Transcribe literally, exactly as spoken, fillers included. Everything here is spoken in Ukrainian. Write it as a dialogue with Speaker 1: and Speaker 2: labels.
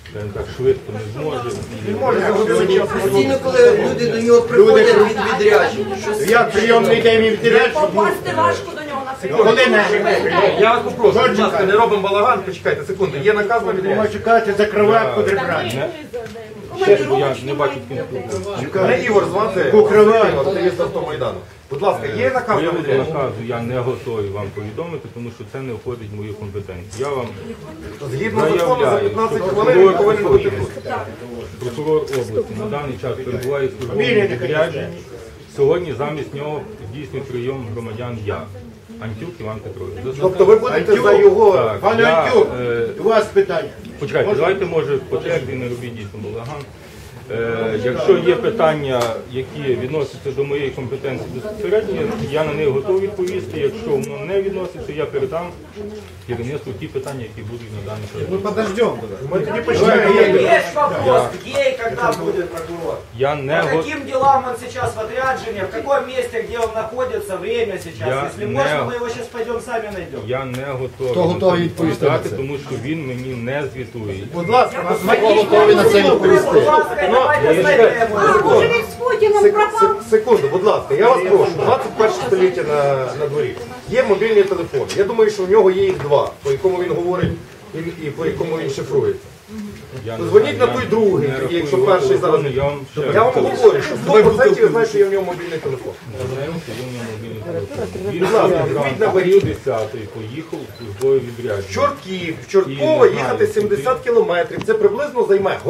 Speaker 1: скажімо так, швидко не зможе.
Speaker 2: Постійно, коли люди до нього приходять від відрядження.
Speaker 3: Я прийомний день і відрядження.
Speaker 4: Попасти важко до нього на секунду.
Speaker 3: Коли не?
Speaker 5: Я вас попрошу, будь ласка, не робимо балаган, почекайте секунду. Є наказ на відрядження?
Speaker 3: Можна чекати, закривати, подрібрати.
Speaker 1: Ще я не бачу кінцю.
Speaker 5: Мене Ігор звати,
Speaker 3: Кукривай.
Speaker 5: активіст Автомайдану. Будь ласка, є наказ на
Speaker 1: Приводу
Speaker 5: відрядження?
Speaker 1: наказу я не готовий вам повідомити, тому що це не входить в мою компетенцію. Я вам
Speaker 5: Згідно закону за
Speaker 1: заявляю,
Speaker 5: п'ятнадцять
Speaker 1: що
Speaker 5: хвилин він
Speaker 1: прокурор
Speaker 5: повинен бути
Speaker 1: України,
Speaker 5: тут.
Speaker 1: прокурор області на даний час перебуває в службовому відрядженні. Сьогодні замість нього здійснює прийом громадян я, Антюк Іван Петрович.
Speaker 5: Тобто ви будете за його...
Speaker 1: Так,
Speaker 3: Пане
Speaker 1: я,
Speaker 3: Антюк,
Speaker 1: е,
Speaker 3: у вас питання.
Speaker 1: Почекайте, давайте, може, по черзі не робіть дійсно балаган. Е, якщо є питання, які відносяться до моєї компетенції безпосередньо, я на них готовий відповісти. Якщо воно не відноситься, я передам керівництву ті питання, які будуть на даний час.
Speaker 5: Ми подождемо. Ми тоді
Speaker 6: Есть
Speaker 5: почнемо.
Speaker 6: вопрос, где и когда будет прокурор?
Speaker 1: Я не
Speaker 6: По
Speaker 1: го-
Speaker 6: каким делам он сейчас в отряджении, в каком месте, где он находится, время сейчас?
Speaker 1: Я
Speaker 6: Если
Speaker 1: не-
Speaker 6: можно, мы его сейчас пойдем сами найдем.
Speaker 1: Я не готовий відповідати, тому що він мені не звітує.
Speaker 5: Будь ласка, нас
Speaker 3: готові на це відповісти.
Speaker 6: Будь ласка, давайте знайдемо.
Speaker 4: А, може він з Путіном
Speaker 5: Сек-
Speaker 4: пропав?
Speaker 5: сек- Секунду, будь ласка, я вас прошу, двадцять перше століття на, на дворі. Є мобільні телефони. Я думаю, що в нього є їх два, по якому він говорить і, і по якому він шифрується.
Speaker 1: Я не
Speaker 5: Дзвоніть
Speaker 1: знаю,
Speaker 5: на той
Speaker 1: я
Speaker 5: другий,
Speaker 1: не
Speaker 5: тоді,
Speaker 1: рахую
Speaker 5: якщо
Speaker 1: його
Speaker 5: перший зараз.
Speaker 1: телефони, Я вам ще
Speaker 5: Я вам
Speaker 1: раз
Speaker 5: говорю, що сто відсотків я знаю, що є в нього мобільний телефон.
Speaker 1: знаю, що він у нього мобільний телефон. Він
Speaker 5: Будь ласка,
Speaker 1: зранку
Speaker 5: візьміть на
Speaker 1: о
Speaker 5: варіант.
Speaker 1: десятій поїхав у службове
Speaker 5: В
Speaker 1: відрядження.
Speaker 5: Чортків, в Чортково
Speaker 1: І не знаю,
Speaker 5: їхати сімдесят кілометрів. Це приблизно займе